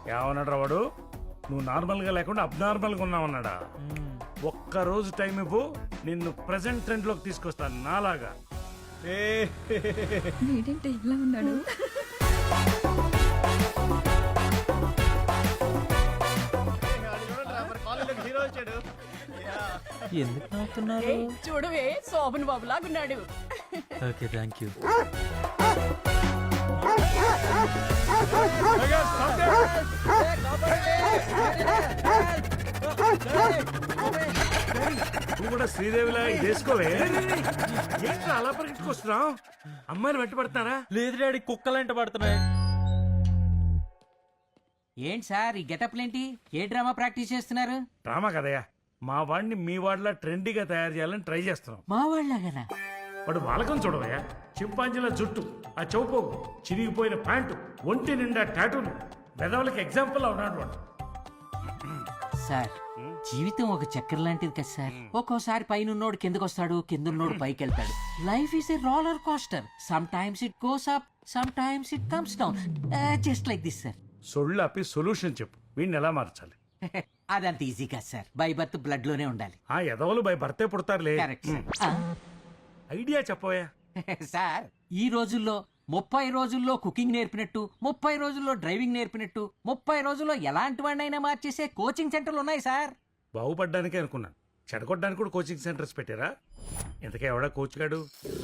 ఏమన్నాడు వాడు? నువ్వు నార్మల్ గా లేకుండా అబ్నార్మల్ గా ఉన్నావన్నాడా? ఒక్క రోజు టైం ఇవ్వు, నిన్ను ప్రెసెంట్ ట్రెండ్ లోకి తీసుకొస్తాను నాలాగా. ఏంటంటే ఇలా ఉన్నాడు? ఎందుకు నవ్వుతున్నారు? చూడవే శోభన్ బాబు లాగున్నాడు. Okay thank you. నువ్వు కూడా శ్రీదేవిలా వేసుకోవే. ఏంట్రా అలా పరిగెట్టుకొస్తున్నావు? అమ్మాయిని వెంట పడుతున్నారా? లేదు డాడీ, కుక్కలంట పడుతున్నాయి. ఏంటి సార్ ఈ గెటప్లేంటి? ఏ డ్రామా ప్రాక్టీస్ చేస్తున్నారు? డ్రామా కదయ్యా, మా వాడిని మీ వాడిలా ట్రెండీగా తయారు చేయాలని ట్రై చేస్తున్నాం. మా వాళ్ళగానా? వాడు వాలకం చూడవయ్యా, చింపాంజీల జుట్టు, ఆ చౌపోగు, చిరిగిపోయిన ప్యాంటు, ఒంటి నిండా టాటూలు, పెదవులకి ఎగ్జాంపుల్ ఉన్నాడు వాడు. సార్ జీవితం ఒక చక్కెర లాంటిది కదా సార్. ఒక్కోసారి పైనున్నోడు కిందకు వస్తాడు, కిందున్నోడు పైకి వెళ్తాడు. Life is a roller coaster. Sometimes it goes up, sometimes it comes down, just like this sir. సొళ్ళాపి సొల్యూషన్ చెప్పు, వీడిని ఎలా మార్చాలి? అదంత ఈజీ కాదు సార్. బై బర్త్ బ్లడ్ లోనే ఉండాలి. ఆ ఎదవలు బై భర్తే పుడతారులే. Correct sir. ఐడియా చెప్పవయ్యా. సార్ ఈ రోజుల్లో 30 రోజుల్లో కుకింగ్ నేర్పినట్టు, 30 రోజుల్లో డ్రైవింగ్ నేర్పినట్టు, 30 రోజుల్లో ఎలాంటి వాడినైనా మార్చేసే కోచింగ్ సెంటర్లు ఉన్నాయి సార్. బాగుపడ్డానికే అనుకున్నాను, చెడగొట్టడానికి కూడా కోచింగ్ సెంటర్స్ పెట్టారా? ఇంతకే ఎవడా కోచ్ గాడు?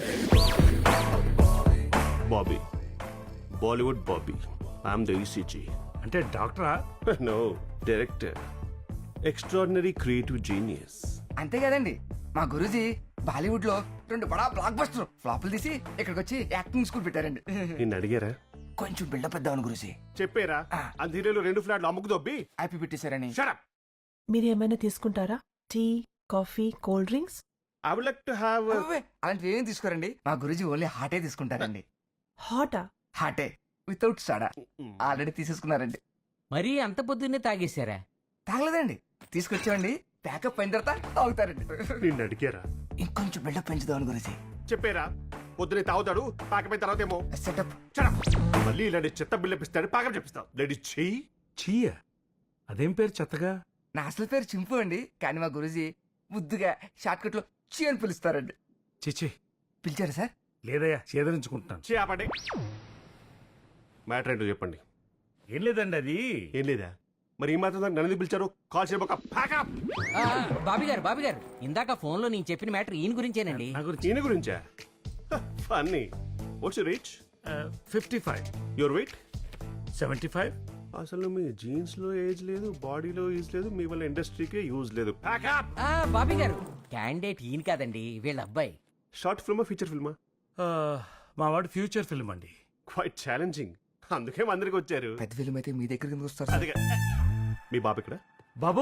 Bobby. Bollywood Bobby. I'm the ECG. అంటే డాక్టరా? No, director. Extraordinary creative genius. అంతే కదండి, మా గురూజీ బాలీవుడ్ లో 2 బడా బ్లాక్ బస్టర్ ఫ్లాపులు తీసి ఇక్కడికి వచ్చి యాక్టింగ్ స్కూల్ పెట్టారండి. నిన్ను అడిగారా? కొంచెం బిల్డప్ ఇద్దామని గురూజీ. చెప్పారా? అంత హీరోలు 2 ఫ్లాట్లు అమ్ముకు దొబ్బి హ్యాపీ పెట్టేశారని. Shut up. మీరు ఏమైనా తీసుకుంటారా? Tea, coffee, cold drinks? I would like to have అలాంటివి ఏం తీసుకోరండి, మా గురూజీ ఓన్లీ హాటే తీసుకుంటారండి. హాటా? హాటే వితౌట్ సోడా ఆల్రెడీ తీసేసుకున్నారండి. మరీ అంత పొద్దున్నే తాగేశారా? తాగలేదండి, తీసుకొచ్చామండి. ప్యాకప్ అయిన తర్వాత తాగుతారండి. నిన్ను అడిగారా? ఇంకొంచెం బిల్డప్ పెంచుదామని గురూజీ. చెప్పారా? పొద్దునే తాగుతాడు, పాకపోయిన తర్వాత ఏమో సెటప్. Shut up. మళ్ళీ ఇలాంటి చెత్త బిల్లు ఇస్తాడు, పాకం చెప్పిస్తావు. లేడీ చెయ్యి. చీయ, అదేం పేరు చెత్తగా? నా అసలు పేరు చింపు అండి, కానీ మా గురూజీ ముద్దుగా షార్ట్ కట్ లో చీ అని పిలుస్తారండి. చిచి, పిలిచారా సార్? లేదయ్యా, చేదరించుకుంటున్నాను. చే ఆపండి. మ్యాటర్ ఏంటో చెప్పండి. ఏం లేదండి, అది ఏం లేదా? మరి ఈ మాత్రం నన్ను ఎందుకు పిలిచారు? Call చేయబోక pack up. బాబీ గారు ఇందాక ఫోన్ లో నేను చెప్పిన మ్యాటర్ ఈయన గురించేనండి. నా గురించి. ఈయన గురించా? Funny. What's your reach? 55. Your weight? 75. అసలు మీ జీన్స్ లో ఏజ్ లేదు, బాడీలో ఏజ్ లేదు, మీ వల్ల ఇండస్ట్రీకే యూజ్ లేదు. ప్యాకప్. బాబీ గారు క్యాండిడేట్ ఈయన కాదండి, వీళ్ళ అబ్బాయి. షార్ట్ ఫిల్మా, ఫీచర్ ఫిల్మా? మా వాడు ఫ్యూచర్ ఫిల్మ్ అండి. Quite challenging. అందుకే అందరికి వచ్చారు. పెద్ద ఫిల్మ్ అయితే మీ దగ్గర కిందకి వస్తారు. అదిగా. మీ బాబు ఇక్కడ? బాబు,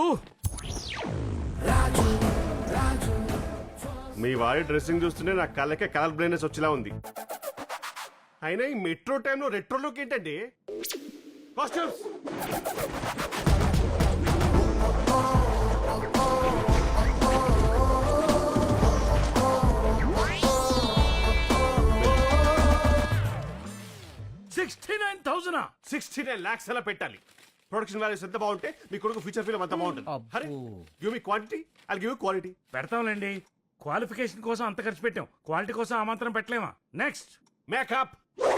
మీ వాడి డ్రెస్సింగ్ చూస్తుంటే నా కళ్ళకే కలర్ బ్లైండ్నెస్ వచ్చేలా ఉంది. అయినా ఈ మెట్రో టైంలో రెట్రో లుక్ ఏంటండి? కాస్ట్యూమ్స్. $69,000. 69 lakhs అలా పెట్టాలి. ప్రొడక్షన్ వాల్యూస్ ఎంత బాగుంటే మీ కొడుకు ఫ్యూచర్ ఫిల్మ్ అంత బాగుంటుంది. Hari, give me quantity, I'll give you quality. పెడతాంలేండి. క్వాలిఫికేషన్ కోసం అంత ఖర్చు పెట్టాం, క్వాలిటీ కోసం ఆ మాత్రం పెట్టలేమా? Next makeup.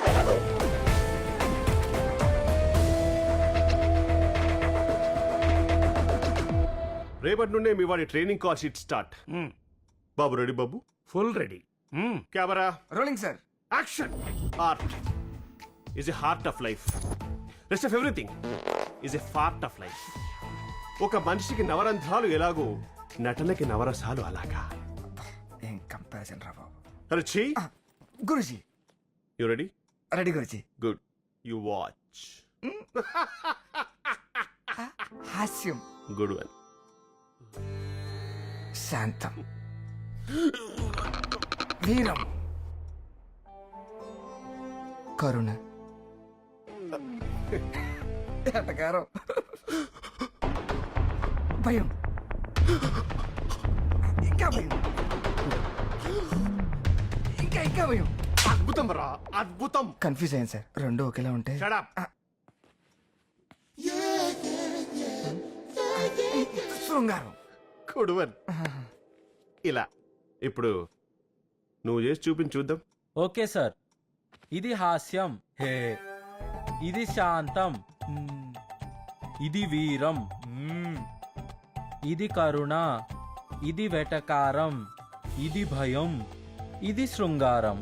రేపటి నుండే మీ వాడి ట్రైనింగ్ కాల్ షీట్ స్టార్ట్. బాబు రెడీ? బాబు full ready. Camera rolling sir. Action. Art is a heart of life. Rest of everything is a part of life. ఒక మనిషికి నవరంధ్రాలు ఎలాగో నటనకి నవరసాలు అలాగా. ఏం కంపారిజన్ రా బాబు. అరే చీ. Guruji you ready? Ready Guruji. Good. You watch. హాస్యం. Good one. శాంతం. వీరం. కరుణ. ఎటకారం. భయం. ఇంకా భయం. ఇంకా భయం. అద్భుతం రా, అద్భుతం. కన్ఫ్యూజ్ అయ్యాను సార్, రెండు ఒకేలా ఉంటే. Shut up. శృంగారం. కొడువన్ ఇలా ఇప్పుడు నువ్వు చేసి చూపించి చూద్దాం. Okay sir. ఇది హాస్యం, హే. ఇది శాంతం, ఇది వీరం, ఇది కరుణ, ఇది వెటకారం, ఇది భయం, ఇది శృంగారం.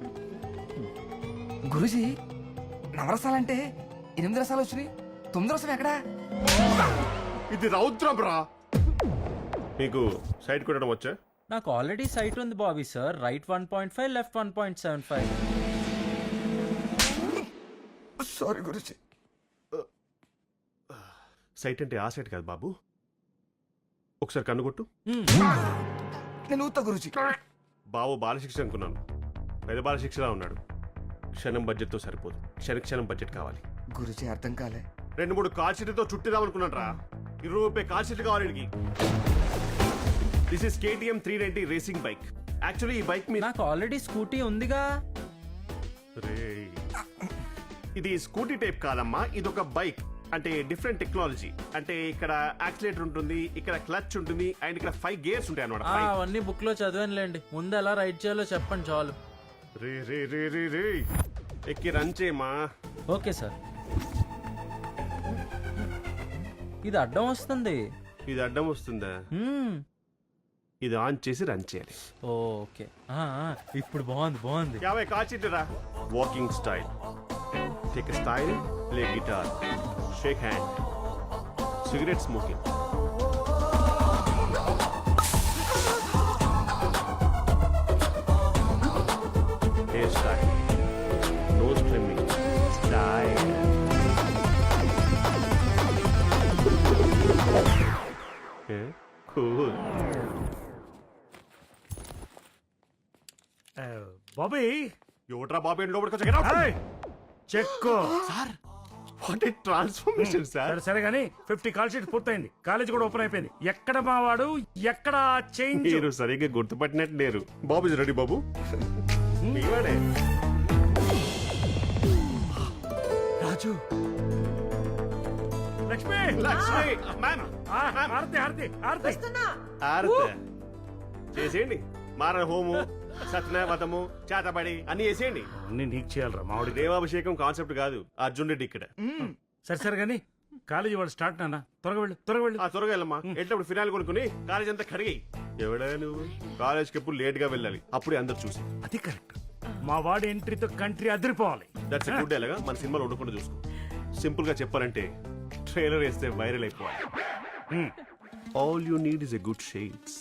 గురుజీ నవరసాలంటే 8 రసాలు వచ్చినాయి, 9 రసం ఎక్కడా? ఇది రౌద్రం రా. మీకు సైడ్ కొట్టడం వచ్చా? నాకు ఆల్రెడీ సైట్ ఉంది Bobby sir. Right 1.5, left 1.75. Sorry Guruji. Sight అంటే ఆ సైట్ కాదు బాబు. ఒకసారి కన్ను కొట్టు. నేను ఊతా గురుజీ. బాబు బాలశిక్ష అనుకున్నాను, పెద్ద బాలశిక్షలా ఉన్నాడు. క్షణం బడ్జెట్తో సరిపోదు, క్షణం బడ్జెట్ కావాలి. గురుజీ అర్థం కాలే. 2-3 కాల్ షీట్లతో చుట్టిదాం అనుకున్నాను రా. 20 రూపాయ కాల్ షీట్లు కావాలి వీడికి. This is KTM 390 racing bike. Actually ఈ బైక్ మీద నాకు ఆల్రెడీ స్కూటీ ఉందిగా. ఇది స్కూటీ టైప్ కాదమ్మా, ఇది ఒక బైక్. అంటే డిఫరెంట్ టెక్నాలజీ. అంటే ఇక్కడ యాక్సిలేటర్ ఉంటుంది, ఇక్కడ క్లచ్ ఉంటుంది, అండ్ ఇక్కడ 5 గేర్స్ ఉంటాయి అన్నమాట. అవన్నీ బుక్ లో చదివానులేండి. ముందు ఎలా రైడ్ చేయాలో చెప్పండి చాలు. రే రే రే రే రే ఎక్కి రన్ చేయమా. Okay sir. ఇది అడ్డం వస్తుంది. ఇది అడ్డం వస్తుందా? ఇది ఆన్ చేసి రన్ చేయాలి. ఓకే. ఇప్పుడు బాగుంది. 50 కాల్ షీట్లు రా. Walking style, take style, play guitar, shake hand, cigarette smoking. Hair style, nose trimming, style. Cool. Bobby ఎవట్రా బాబు ఏంటి లోపలికి వచ్చా? Check. Sir what a transformation sir. సరే సరే కానీ 50 కాల్ షీట్ పూర్తయింది. కాలేజ్ కూడా ఓపెన్ అయిపోయింది. ఎక్కడ మావాడు, ఎక్కడ చేంజ్? మీరు సరిగ్గా గుర్తుపట్టినట్టు లేరు. బాబు ఇస్ రెడీ బాబు. మీవాడే రాజు. లక్ష్మి లక్ష్మి మ్యామ్. ఆరతి ఆరతి ఆరతి. ఆరత చేసేయండి. మారణ హోము, సత్యనావతము, చేతబడి అన్ని చేసేయండి. అన్ని నీకు చేయాలరా మావాడికి. దేవాభిషేకం కాన్సెప్ట్ కాదు, అర్జున్ రెడ్డి ఇక్కడ. సరే సరే కానీ కాలేజీ వాడు స్టార్ట్ నాన్న. త్వరగా వెళ్ళు. ఆ త్వరగా వెళ్ళమ్మా. ఎట్లప్పుడు ఫినాయిల్ కొనుక్కుని కాలేజ్ అంతా కడిగాయి. ఎవడా నువ్వు? కాలేజ్కి ఎప్పుడు లేట్ గా వెళ్ళాలి, అప్పుడే అందరు చూసి. అది కరెక్ట్. మా వాడి ఎంట్రీతో కంట్రీ అదిరిపోవాలి. దట్స్ గుడ్ ఎలాగా మన సినిమాలో ఉండకుండా చూసుకో. సింపుల్ గా చెప్పాలంటే ట్రైలర్ వేస్తే వైరల్ అయిపోవాలి. All you need is a good shades.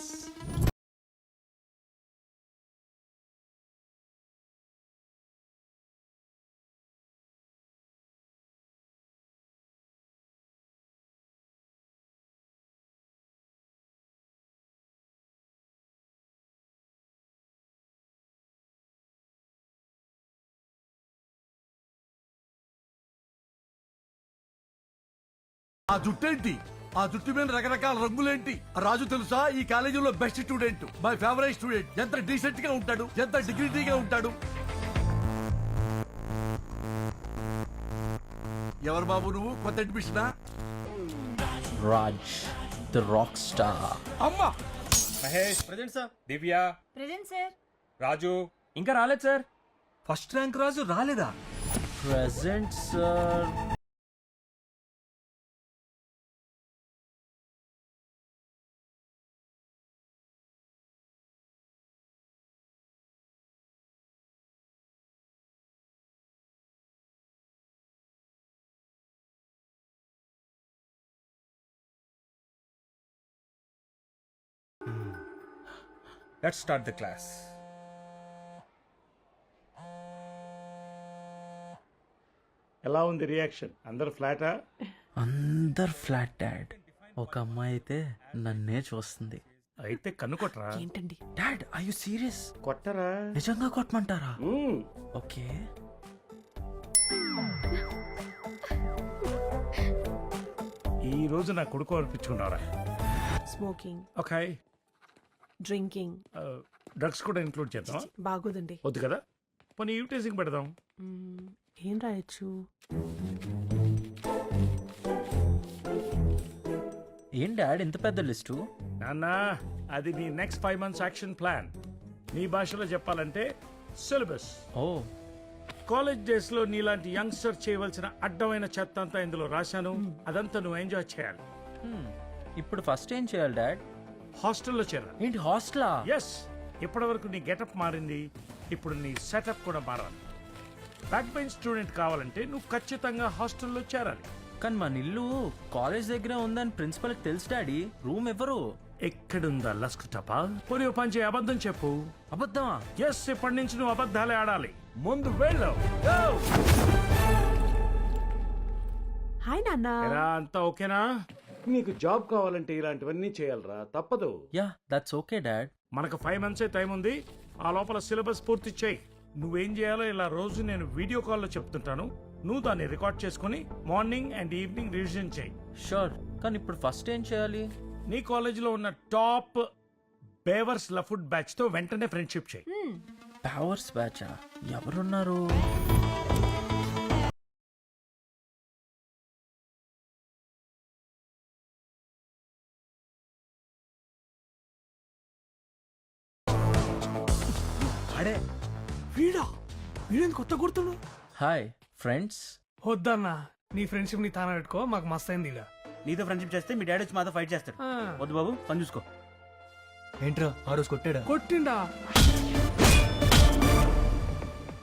ఆ జుట్టేంటి? ఆ జుట్టు మీద రకరకాల రంగులేంటి? రాజు తెలుసా, ఈ కాలేజీలో best student, my favourite student. ఎంత డీసెంట్ గా ఉంటాడు, ఎంత డిగ్నిటీగా ఉంటాడు. ఎవరు బాబు నువ్వు? కొత్త అడ్మిషనా? Raj the rock star. అమ్మా Mahesh present sir. Divya present sir. Raju ఇంకా రాలేదు సార్. ఫస్ట్ ర్యాంక్ రాజు రాలేదా? Present sir. Let's start the class. ఎలా ఉంది రియాక్షన్? అందరు ఫ్లాటా? అందరు ఫ్లాట్ డాడ్. ఒక అమ్మాయి అయితే నన్నే చూస్తుంది. అయితే కన్ను కొట్టరా. ఏంటండి? Dad I you serious? కొట్టరా. నిజంగా కొట్టమంటారా? ఓకే. ఈ రోజు నా కొడుకు అనిపించుకున్నారా? Smoking, okay. డ్రింకింగ్ డ్రగ్స్ కూడా ఇంక్లూడ్ చేద్దాం. బాగోదండి. వద్దు కదా, పోనీ యూటైజింగ్ పెడదాం. ఏం రాయొచ్చు? ఏం డాడ్ ఇంత పెద్ద లిస్టు? నాన్న అది నీ నెక్స్ట్ 5 months యాక్షన్ ప్లాన్. నీ భాషలో చెప్పాలంటే సిలబస్. ఓ కాలేజ్ డేస్ లో నీలాంటి యంగ్స్టర్ చేయవలసిన అడ్డమైన చెత్త అంతా ఇందులో రాశాను. అదంతా నువ్వు ఎంజాయ్ చేయాలి. ఇప్పుడు ఫస్ట్ ఏం చేయాలి డాడ్? హాస్టల్లో చేరాలి. ఏంటి హాస్టలా? ఎస్, ఇప్పటి వరకు నీ గెటప్ మారింది, ఇప్పుడు నీ సెటప్ కూడా మారాలి. బ్యాక్ బెంచ్ స్టూడెంట్ కావాలంటే నువ్వు ఖచ్చితంగా హాస్టల్లో చేరాలి. కానీ మన ఇల్లు కాలేజ్ దగ్గర ఉందని ప్రిన్సిపల్కి తెలుసు డాడీ. రూమ్ ఎవరు? ఎక్కడుందా లస్క్ టపా? పోనీ ఓ పని చేయి, అబద్ధం చెప్పు. అబద్ధమా? ఎస్, ఇప్పటి నుంచి నువ్వు అబద్ధాలే ఆడాలి. ముందు వెళ్ళు. హాయ్ నాన్న. ఎరా, అంతా ఓకేనా? నీకు జాబ్ కావాలంటే ఇలాంటివన్నీ చేయాలరా, తప్పదు. Yeah that's okay dad. మనకు 5 months టైం ఉంది. ఆ లోపల సిలబస్ పూర్తి చేయి. నువ్వేం చేయాలో ఇలా రోజు నేను వీడియో కాల్లో చెప్తుంటాను. నువ్వు దాన్ని రికార్డ్ చేసుకుని మార్నింగ్ అండ్ ఈవినింగ్ రివిజన్ చేయి. షూర్. కానీ ఇప్పుడు ఫస్ట్ ఏం చేయాలి? నీ కాలేజీలో ఉన్న టాప్ బేవర్స్ లఫుడ్ బ్యాచ్ తో వెంటనే ఫ్రెండ్షిప్ చేయి. పవర్స్ బ్యాచా? ఎవరున్నారు? అడే వీడా వీడేంది కొత్త గుర్తుడు? Hi friends. వద్దన్నా, నీ ఫ్రెండ్షిప్ ని తాన పెట్టుకో, మాకు మస్త్ అయింది ఇక. నీతో ఫ్రెండ్షిప్ చేస్తే మీ డాడీ వచ్చి మాతో ఫైట్ చేస్తాడు. వద్దు బాబు, పని చూసుకో. ఏంట్రా ఆ రోజు కొట్టాడా? కొట్టిండా?